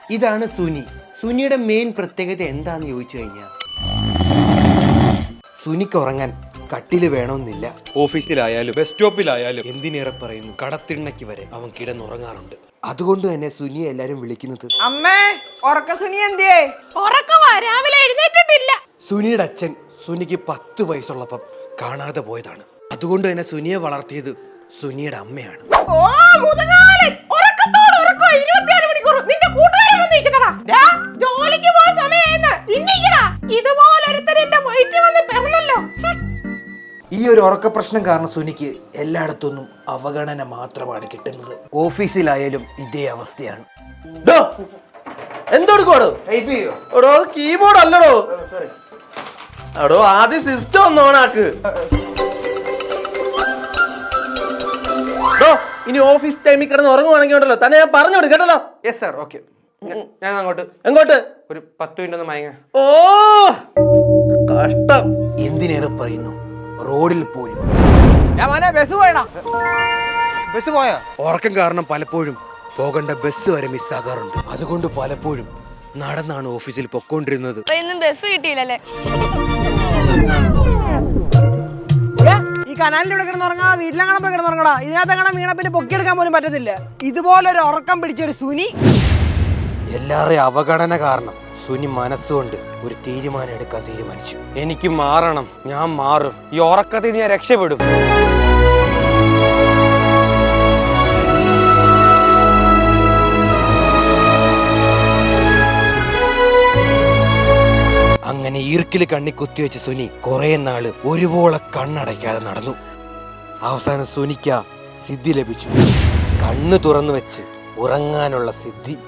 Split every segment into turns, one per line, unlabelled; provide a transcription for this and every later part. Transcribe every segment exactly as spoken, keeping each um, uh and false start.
ഇതാണ് സുനി. സുനിയുടെ മെയിൻ പ്രത്യേകത എന്താന്ന് ചോദിച്ചു കഴിഞ്ഞാൽ സുനിക്ക് ഉറങ്ങാൻ കട്ടില് വേണമെന്നില്ല.
ഓഫീസിലായാലും ബസ് സ്റ്റോപ്പിലായാലും
എന്തിനേറെ പറയുന്നു കടത്തിണ്ണയ്ക്ക് വരെ അവൻ കിടന്നുറങ്ങാറുണ്ട്. അതുകൊണ്ട് തന്നെ സുനിയെ എല്ലാരും വിളിക്കുന്നത്
അമ്മേ ഉറക്ക സുനി എന്തിയേ?
രാവിലെ എഴുന്നേറ്റിട്ടില്ല.
സുനിയുടെ അച്ഛൻ സുനിക്ക് പത്ത് വയസ്സുള്ളപ്പം കാണാതെ പോയതാണ്. അതുകൊണ്ട് തന്നെ സുനിയെ വളർത്തിയത് സുനിയുടെ അമ്മയാണ്.
ഓ മുതലാളി ഉറക്കത്തോട് ഉറക്കോ ഇരുപത്തിനാല് മണിക്കൂർ നിന്റെ കൂട്ടുകാരൻ വന്ന് നിൽക്കുന്നടാ. ദാ ജോലിക്ക് പോയ സമയമായെന്ന് ഇണ്ണിക്കടാ. ഇതുപോലൊരുത്തൻ എന്റെ വയറ്റിൽ വന്ന് പെറണല്ലോ.
ഈ ഒരു ഉറക്ക പ്രശ്നം കാരണം സുനിക്ക് എല്ലായിടത്തൊന്നും അവഗണന മാത്രമാണ് കിട്ടുന്നത്. ഓഫീസിലായാലും ഇതേ അവസ്ഥയാണ്.
എന്തെടുക്കോടോ? എടോ അത് കീബോർഡ് അല്ലടോ. എടോ ആദ്യം സിസ്റ്റം ഒന്ന് ഓണാക്ക്. ഇനി ഓഫീസ് ടൈമിൽ കിടന്ന് ഉറങ്ങുവാണെങ്കിൽ ഉണ്ടല്ലോ തന്നെ ഞാൻ പറഞ്ഞോട് കേട്ടല്ലോ.
Yes sir, okay. ഞാൻ അങ്ങോട്ട്
എങ്ങോട്ട്?
ഒരു പത്ത് മിനിറ്റ് ഒന്ന് മയങ്ങ.
ഓ കഷ്ടം.
എന്തിനേറെ പറയുന്നു റോഡിൽ പോലും
ബസ് പോയടാ.
ബസ് പോയാ?
ഉറക്കം കാരണം പലപ്പോഴും പോകേണ്ട ബസ് വരെ മിസ്സാകാറുണ്ട്. അതുകൊണ്ട് പലപ്പോഴും നടന്നാണ് ഓഫീസിൽ പൊക്കോണ്ടിരുന്നത്.
ബസ് കിട്ടിയില്ലല്ലേ?
ഈ കനാലിലൂടെ കിടന്നുറങ്ങാ വീട്ടിലങ്ങനെ പോയി കിടന്നുറങ്ങടാ. ഇതിനകത്തെങ്ങനെ വീണ പിന്നെ പൊക്കിയെടുക്കാൻ പോലും പറ്റത്തില്ല. ഇതുപോലൊരു ഉറക്കം പിടിച്ചൊരു സുനി.
എല്ലാവരുടെയും അവഗണന കാരണം സുനി മനസ്സുകൊണ്ട് ഒരു തീരുമാനം എടുക്കാൻ തീരുമാനിച്ചു.
എനിക്ക് മാറണം, ഞാൻ മാറും. ഈ ഉറക്കത്തിൽ ഞാൻ രക്ഷപ്പെടും.
അങ്ങനെ ഈർക്കില് കണ്ണി കുത്തിവെച്ച് സുനി കുറെ നാള് ഒരുപോലെ കണ്ണടയ്ക്കാതെ നടന്നു. അവസാനം സുനിക്ക സിദ്ധി ലഭിച്ചു. കണ്ണു തുറന്നു വെച്ച് ഉറങ്ങാനുള്ള സിദ്ധി.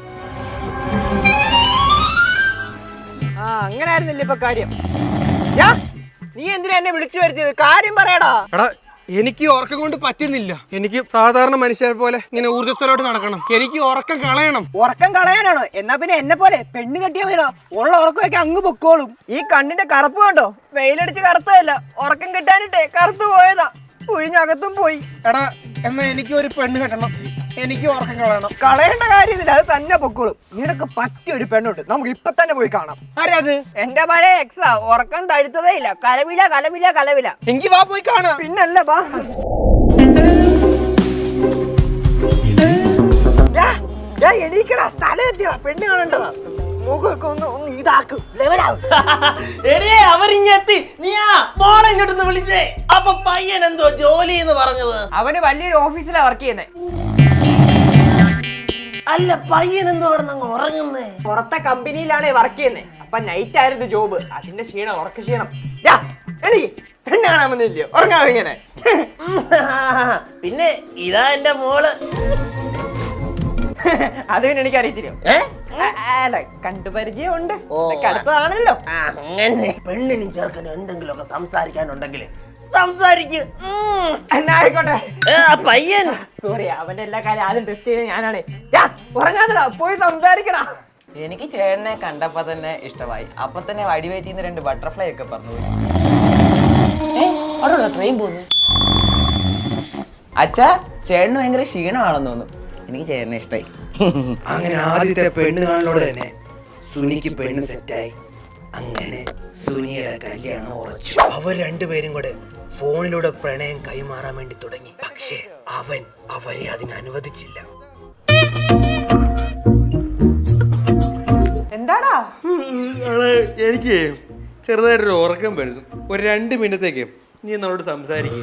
ആ അങ്ങനെ ആയിരുന്നില്ല ഇപ്പൊ കാര്യം. നീ എന്തിനാ എന്നെ വിളിച്ചു വരുത്തിയത്? കാര്യം പറയടാ.
എടാ എനിക്ക് ഉറക്കം കൊണ്ട് പറ്റുന്നില്ല. എനിക്ക് സാധാരണ മനുഷ്യരെ പോലെ ഇങ്ങനെ ഊർജ്ജസ്വലോട്ട് നടക്കണം. എനിക്ക് ഉറക്കം കളയണം.
ഉറക്കം കളയാനാണോ? എന്നാ പിന്നെ എന്നെ പോലെ പെണ്ണ് കെട്ടിയാ മതിയോ? ഉള്ള ഉറക്കമൊക്കെ അങ്ങ് പൊക്കോളും. ഈ കണ്ണിന്റെ കറുപ്പ് കണ്ടോ? വെയിലടിച്ച് കറുത്തതല്ല, ഉറക്കം കിട്ടാനിട്ടേ കറുത്തു പോയതാ. ഒഴിഞ്ഞകത്തും പോയി.
എടാ എന്നാ എനിക്ക് ഒരു പെണ്ണ് കെട്ടണം. എനിക്ക് ഉറക്കം കളയണം.
കളയേണ്ട കാര്യമില്ല, അത് തന്നെ പൊക്കോളും. നിനക്ക് പറ്റിയ ഒരു പെണ്ണുണ്ട്, നമുക്ക് ഇപ്പൊ തന്നെ പോയി കാണാം.
ആരത്?
എന്റെ പഴയ എക്സാ. ഉറക്കം തഴുത്തതേ ഇല്ല. കലവില കലവില കലവില.
എങ്കി വാ പോയി കാണാം.
പിന്നല്ല വാ. എണീക്കടാ, സ്ഥലം എത്തിയ പെണ്ണ് കാണണ്ടതാ. മുഖമൊക്കെ ഒന്ന് ഒന്ന് ഇതാക്കും, ലെവലാവും.
എടിയേ അവരിങ്ങെത്തി. നീയാ മോളെ ഇങ്ങോട്ടൊന്ന് വിളിച്ചേ. അപ്പൊ പയ്യൻ എന്തോ ജോലി എന്ന് പറഞ്ഞത്?
അവന് വലിയൊരു ഓഫീസിലാ വർക്ക് ചെയ്യുന്നേ.
അല്ല പയ്യൻ എന്തോ അവിടെ ഉറങ്ങുന്നേ?
പുറത്തെ കമ്പനിയിലാണ് വർക്ക് ചെയ്യുന്നേ. അപ്പൊ നൈറ്റ് ആയിരുന്നു ജോബ്. അതിന്റെ ക്ഷീണം, ഉറക്ക ക്ഷീണം. പെണ്ണ് കാണാൻ വന്നില്ലയോ? ഉറങ്ങാം ഇങ്ങനെ.
പിന്നെ ഇതാ എന്റെ മോള്.
അത് പിന്നെ എനിക്ക് അറിയത്തില്ലോ. അല്ല കണ്ടുപരിചയം ഉണ്ട്, അടുത്തതാണല്ലോ.
അങ്ങനെ പെണ്ണിനും ചെറുക്കനും എന്തെങ്കിലുമൊക്കെ സംസാരിക്കാനുണ്ടെങ്കിൽ സംസാരിക്കും.
എന്നാ ആയിക്കോട്ടെ.
പയ്യൻ
സോറി, അവന്റെ എല്ലാ കാര്യം ആദ്യം ടെസ്റ്റ് ചെയ്ത് ഞാനാണ്. ഉറങ്ങാതടാ, പോയി സംസാരിക്കടാ.
എനിക്ക് ചേട്ടനെ കണ്ടപ്പോ തന്നെ ഇഷ്ടമായി. അപ്പൊ തന്നെ വടിവേറ്റിന്ന് രണ്ട് ബട്ടർഫ്ലൈ ഒക്കെ പറഞ്ഞു. ട്രെയിൻ പോന്നു. അച്ഛാ ചേട്ടന് ഭയങ്കര ക്ഷീണമാണെന്ന് തോന്നുന്നു. എനിക്ക് ചേട്ടനെ ഇഷ്ടമായി.
അങ്ങനെ ആദ്യത്തെ പെണ്ണ് കാണലോട് തന്നെ സുനിക്ക് പെണ്ണ് സെറ്റായി. അങ്ങനെ സുനിയുടെ കല്യാണം ഉറച്ചു. അവർ രണ്ടുപേരും കൂടെ ഫോണിലൂടെ പ്രണയം കൈമാറാൻ വേണ്ടി തുടങ്ങി. പക്ഷേ അവൻ അവരെ അതിന് അനുവദിച്ചില്ല.
എന്താടാ?
എനിക്ക് ചെറുതായിട്ടൊരു ഉറക്കം വരുന്നു. ഒരു രണ്ട് മിനിറ്റത്തേക്ക് നീ എന്നോട് സംസാരിക്കും.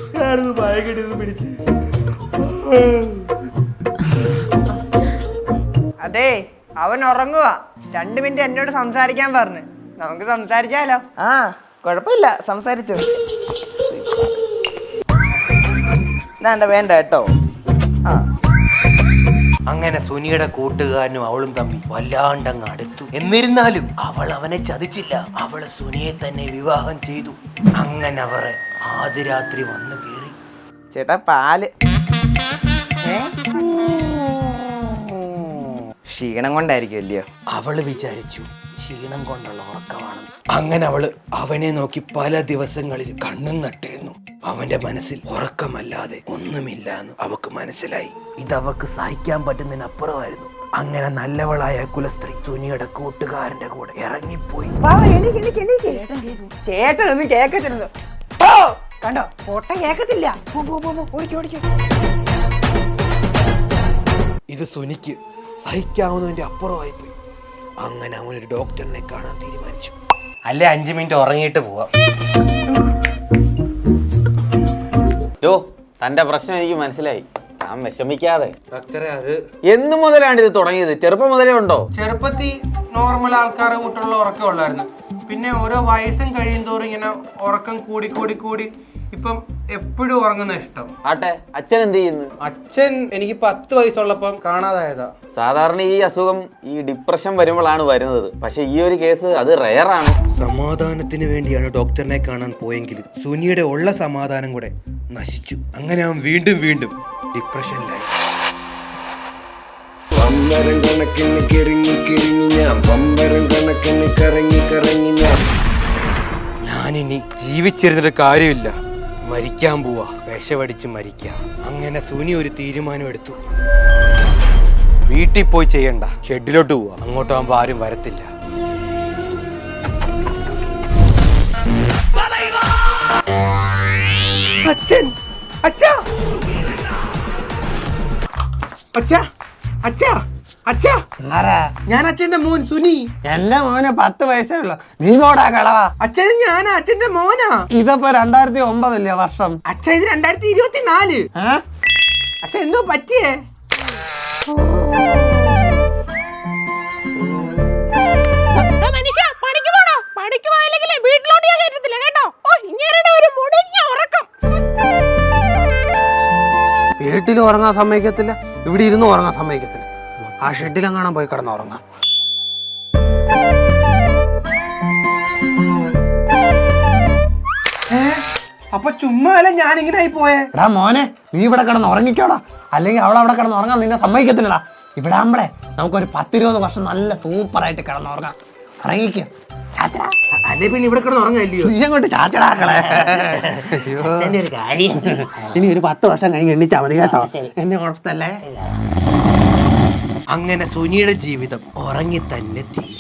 അതെ അവൻ ഉറങ്ങുക. രണ്ടു മിനിറ്റ് എന്നോട് സംസാരിക്കാൻ പറഞ്ഞു. നമുക്ക് സംസാരിച്ചാലോ?
ആ കുഴപ്പമില്ല, സംസാരിച്ചോ. വേണ്ട വേണ്ട കേട്ടോ. ആ
അങ്ങനെ സുനിയുടെ കൂട്ടുകാരനും അവളും തമ്മിൽ വല്ലാണ്ടങ്ങ് അടുത്തു. എന്നിരുന്നാലും അവൾ അവനെ ചതിച്ചില്ല. അവള് സുനിയെ തന്നെ വിവാഹം ചെയ്തു. അങ്ങനെ അവരെ ആദ്യ രാത്രി വന്നു കേറി.
ചേട്ടാ പാല്. ക്ഷീണം കൊണ്ടായിരിക്കും അല്ലയോ?
അവള് വിചാരിച്ചു ക്ഷീണം കൊണ്ടുള്ള ഉറക്കമാണ്. അങ്ങനെ അവള് അവനെ നോക്കി പല ദിവസങ്ങളിൽ കണ്ണും നട്ടിരുന്നു. അവന്റെ മനസ്സിൽ ഉറക്കമല്ലാതെ ഒന്നുമില്ല എന്ന് അവക്ക് മനസ്സിലായി. ഇതവക്ക് സഹിക്കാൻ പറ്റുന്നതിനപ്പുറമായിരുന്നു. അങ്ങനെ നല്ലവളായ കുലസ്ത്രീ സുനിയുടെ കൂട്ടുകാരന്റെ കൂടെ ഇറങ്ങിപ്പോയി.
വാ, എണീക്ക്, എണീക്ക്, എണീക്ക്. ചേട്ടൻ ഒന്നും കേക്കത്തില്ലെന്ന്. ഓ, കണ്ടോ പൊട്ടൻ കേക്കത്തില്ല. പോ, പോ, പോ, പോ, ഓടിക്കോ, ഓടിക്കോ.
ഇത് സുനിക്ക് സഹിക്കാവുന്നതിന്റെ അപ്പുറമായിപ്പോയി. അങ്ങനെ അവനൊരു ഡോക്ടറിനെ കാണാൻ തീരുമാനിച്ചു.
അല്ലേ അഞ്ചു മിനിറ്റ് ഉറങ്ങിയിട്ട് പോവാം.
യോ തന്റെ പ്രശ്നം എനിക്ക് മനസ്സിലായി. താൻ വിഷമിക്കാതെ.
ഡോക്ടറെ അത്
എന്നു മുതലാണ് ഇത് തുടങ്ങിയത്? ചെറുപ്പം മുതലേ ഉണ്ടോ?
ചെറുപ്പത്തിൽ നോർമൽ ആൾക്കാരെ കൂട്ടുള്ള ഉറക്കം ഉള്ളായിരുന്നു. പിന്നെ ഓരോ വയസ്സും കഴിയും തോറും ഇങ്ങനെ ഉറക്കം കൂടി കൂടി കൂടി ഇപ്പം എപ്പോഴും ഉറങ്ങുന്ന ഇഷ്ടം.
ആട്ടെ, അച്ഛൻ എന്ത് ചെയ്യുന്നു?
അച്ഛൻ എനിക്ക് പത്ത് വയസ്സുള്ളപ്പം കാണാതായതാ.
സാധാരണ ഈ അസുഖം ഈ ഡിപ്രഷൻ വരുമ്പോഴാണ് വരുന്നത്. പക്ഷെ ഈ ഒരു കേസ് അത് റെയറാണ്.
സമാധാനത്തിന് വേണ്ടിയാണ് ഡോക്ടറിനെ കാണാൻ പോയെങ്കിലും സുനിയുടെ ഉള്ള സമാധാനം കൂടെ നശിച്ചു. അങ്ങനെ അവൻ വീണ്ടും വീണ്ടും ഡിപ്രഷനിലായി.
പമ്പരം കണക്കിന് കിറങ്ങി കിറങ്ങി ഞാൻ പമ്പരം കണക്കിന് കറങ്ങി കറങ്ങി ഞാൻ
ഞാനിനി ജീവിച്ചിരുന്നിട്ട് കാര്യമില്ല, മരിക്കാൻ പോവാ, വിഷമടിച്ച് മരിക്കാം.
അങ്ങനെ സുനി ഒരു തീരുമാനം എടുത്തു.
വീട്ടിൽ പോയി ചെയ്യണ്ട, ഷെഡിലോട്ട് പോവാ. അങ്ങോട്ടാകുമ്പോ ആരും വരത്തില്ല.
അച്ഛൻ അച്ഛാ അച്ഛാ അച്ഛാ അച്ഛാ ഞാൻ അച്ഛന്റെ മോൻ സുനി.
എന്റെ മോന് പത്ത് വയസ്സേ ഉള്ളു. ജീവോടാ കളവാ.
അച്ഛൻ ഞാനാ, അച്ഛന്റെ മോനാ.
ഇതിപ്പോ രണ്ടായിരത്തി ഒമ്പതല്ലേ വർഷം?
അച്ഛ ഇത് രണ്ടായിരത്തി ഇരുപത്തി നാല്. അച്ഛ എന്തോ പറ്റിയേ?
മനുഷ്യ പണിക്ക് പോണോ? പണിക്ക് പോയില്ലെങ്കിലേ വീട്ടിലോട്ട് ഞാൻ കയറ്റത്തില്ല കേട്ടോ. ഓ, ഇങ്ങനെ ഒരു മുടിഞ്ഞ ഉറക്കം.
വീട്ടിൽ ഉറങ്ങാൻ സമ്മതിക്കത്തില്ല, ഇവിടെ ഇരുന്ന് ഉറങ്ങാൻ സമ്മതിക്കത്തില്ല. ആ ഷെഡിലെങ്ങാനും പോയി കിടന്ന് ഉറങ്ങാം.
അപ്പൊ ചുമ്മാ അല്ല ഞാൻ ഇങ്ങനെ ആയി പോയേ.
എടാ മോനെ, നീ ഇവിടെ കിടന്ന് ഉറങ്ങിക്കോടാ, അല്ലെങ്കിൽ അവൾ അവിടെ കിടന്ന് ഉറങ്ങാൻ നിന്നെ സമ്മതിക്കത്തില്ലടാ. ഇവിടെ ആകുമ്പളേ നമുക്കൊരു പത്തിരുപത് വർഷം നല്ല സൂപ്പറായിട്ട് കിടന്ന് ഉറങ്ങാം. ഉറങ്ങിക്കോ ചാച്ചടാ.
അല്ലെ പിന്നെ ഇവിടെ കിടന്ന് ഉറങ്ങാല്ലയോ?
നീ അങ്ങോട്ട് ചാച്ചടാക്കളെ. ഒരു കാര്യം, ഇനി ഒരു പത്ത് വർഷം കഴിഞ്ഞ് എണ്ണിച്ചാ മതി കേട്ടോ. എന്നെ കുഴപ്പത്തല്ലേ.
അങ്ങനെ സുനിയുടെ ജീവിതം ഉറങ്ങി തന്നെ തീരും.